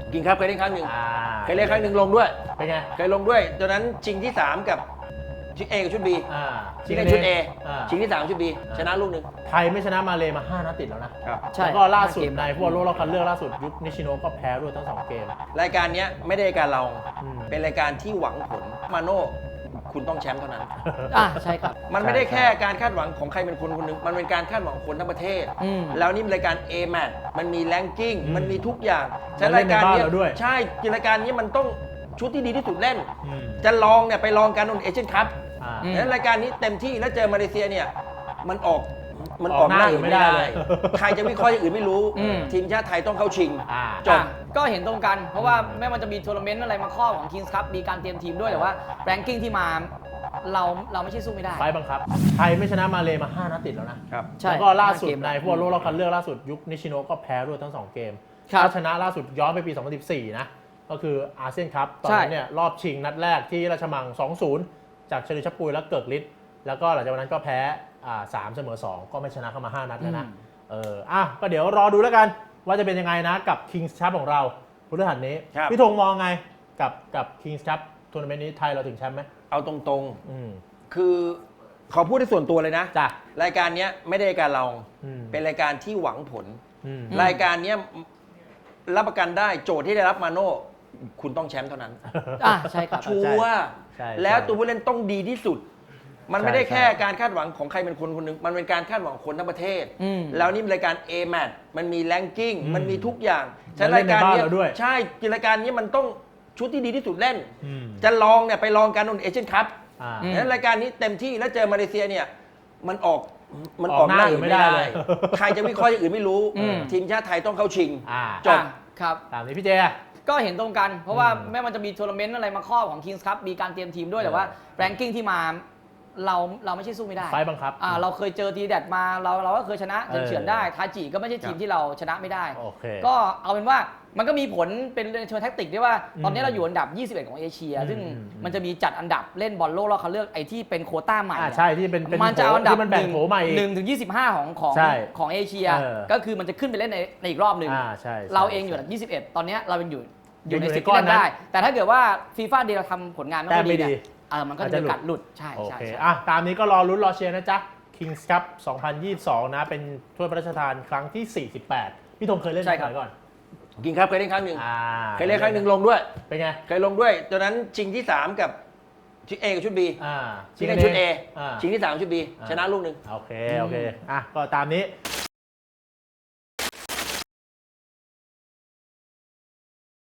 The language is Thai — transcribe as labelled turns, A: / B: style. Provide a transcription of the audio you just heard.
A: กินครับเคยเล่นครั้งหนึ่ง เคยเล่นครั้งหนึ่งลงด้วย
B: เป็นไง
A: เคยลงด้วยตอนนั้นชิงที่ 3 กับชุด A กับชุด B ชิงในชุด A ชิงที่ 3 ชุด B ชนะลูกหนึ่ง
B: ไทยไม่ชนะมาเลมา5 นัดติดแล้วนะครับ
A: ใช่
B: แล้วก็ล่าสุดในพวกโลกรอบคัดเลือกล่าสุดยุคนิชิโนะก็แพ้ด้วยทั้ง2 เกม
A: รายการนี้ไม่ได้รายการเรา
B: เป็
A: เป็นรายการที่หวังผลมาโน่คุณต้องแชมป์เท่านั้น
C: ใช่ครับ
A: มันไม่ได้แค่การคาดหวังของใครเป็นคนคนหนึ่งมันเป็นการคาดหวังของคนทั้งประเทศ แล้วนี่รายการ A-Match มันมีแรงกิ้งมันมีทุกอย่างฉะนั้นรายการนี้ใช่รายการนี้มันต้องชุดที่ดีที่สุดเล่นจะลองเนี่ยไปลองกันนู่นเอเชียนคัพแล้วรายการนี้เต็มที่แล้วเจอมาเลเซียเนี่ยมันออกหน้าอื่นไม่ได้ใครจะวิเคราะห์อย่างอื่นไม่รู้ทีมชาติไทยต้องเข้าชิงจบ
C: ก็เห็นตรงกันเพราะว่าแม้มันจะมีทัวร์นาเมนต์อะไรมาครอบของ Kings Cup มีการเตรียมทีมด้วยแต่ว่าแรงกิ้งที่มาเราไม่ใช่สู้ไม่ได้
B: ไฟบังคับไทยไม่ชนะมาเลมา5 นัดติดแล้วนะแล้วก็ล่าสุดในพวกโลกรอบคัดเลือกล่าสุดยุคนิชิโนะก็แพ้ด้วยทั้ง2 เกมชนะล่าสุดย้อนไปปี 2014 นะก็คืออาเซียนคัพตอนนั้นเนี่ยรอบชิงนัดแรกที่ราชมัง 2-0 จากเชลิชัปปุยและเกิกฤทธิ์แล้วก็หลังจากนั้นก็แพ้3เสมอ2ก็ไม่ชนะเข้ามา5 นัดแล้วนะก็เดี๋ยวรอดูแล้วกันว่าจะเป็นยังไงนะกับ Kings Cup ของเราพฤหัสนี้พี่ธงมองไงกับ Kings Cup ทัวร์นาเมนต์นี้ไทยเราถึงแชมป์ไหม
A: เอาตรงๆคือขอพูดในส่วนตัวเลยนะรายการนี้ไม่ได้รายการเราเป็นรายการที่หวังผลรายการนี้รับประกันได้โจทย์ที่ได้รับมาโน่คุณต้องแชมป์เท่านั้น
C: ใช่ครับ
A: ชัวร์แล้วตัวผู้เล่นต้องดีที่สุดมันไม่ได้แค่การคาดหวังของใครเป็นคนคนหนึ่งมันเป็นการคาดหวังของคนทั้งประเทศแล้วนี่รายการ A-Match มันมีแรงกิ้งมันมีทุกอย่างฉะนั้นรายการนี้ใช่รายการนี้มันต้องชุดที่ดีที่สุดเล่นจะลองเนี่ยไปลองกันนู่นเอเชียนคัพแล้วรายการนี้เต็มที่แล้วเจอมาเลเซียเนี่ยมันออกหน้าอื่นไม่ได้ใครจะวิเคราะห์อย่างอื่นไม่รู้ทีมชาติไทยต้องเข้าชิงจบ
C: ครับ
B: ตามนี้พี่เจ
C: ก็เห็นตรงกันเพราะว่าแม้มันจะมีทัวร์นาเมนต์อะไรมาครอบของ Kings Cup มีการเตรียมทีมด้วยแต่ว่าแรงกิ้งที่มาเราไม่ใช่สู้ไม่ได้
B: ไฟบังคับ
C: เราเคยเจอทีแดดมาเราก็เคยชนะเฉือนได้ทาจิก็ไม่ใช่ทีมที่เราชนะไม่ได้ก็เอาเป็นว่ามันก็มีผลเป็นเชิงแท็กติกด้วยว่าตอนนี้เราอยู่อันดับ21ของเอเชียซึ่งมันจะมีจัดอันดับเล่นบอลโลกแล้วเขาเลือกไอ้ที่เป็นโควต้าใหม่
B: ใช่ที่เป็น
C: มันจะอันดับ
B: 1
C: ถึง 25ของเอเชียก็คือมันจะขึ้นไปเล่นในอีกรอบหนึ่งเราเองอยู่อันดับ21ตอนนี้เราเป็นอยู่ในสิทธิ์ที่เล่นได้แต่ถ้าเกิดว่าฟีฟ่าเดย์เราทำผลงานไม่ดีเนี่ยมันก็จะกัดหลุดใช่
B: โอเคตามนี้ก็รอลุ้นรอเชียร์นะจ๊ะ Kings Cup 2022 นะเป็นถ้วยพระราชทานครั้งที่48พี่ธงเคยเล่นไหมก่อน
A: กินครับเคยเล่นครั้งหนึ่งเคยเล่นครั้งหนึ่งลงด้วย
B: เป็นไง
A: เคยลงด้วยตอนนั้นชิงที่ 3 กับชุด A กับชุด B ชิงในชุด A ชิงที่ 3 ชุด B ชนะลูกหนึ่ง
B: โอเคก็ตามนี้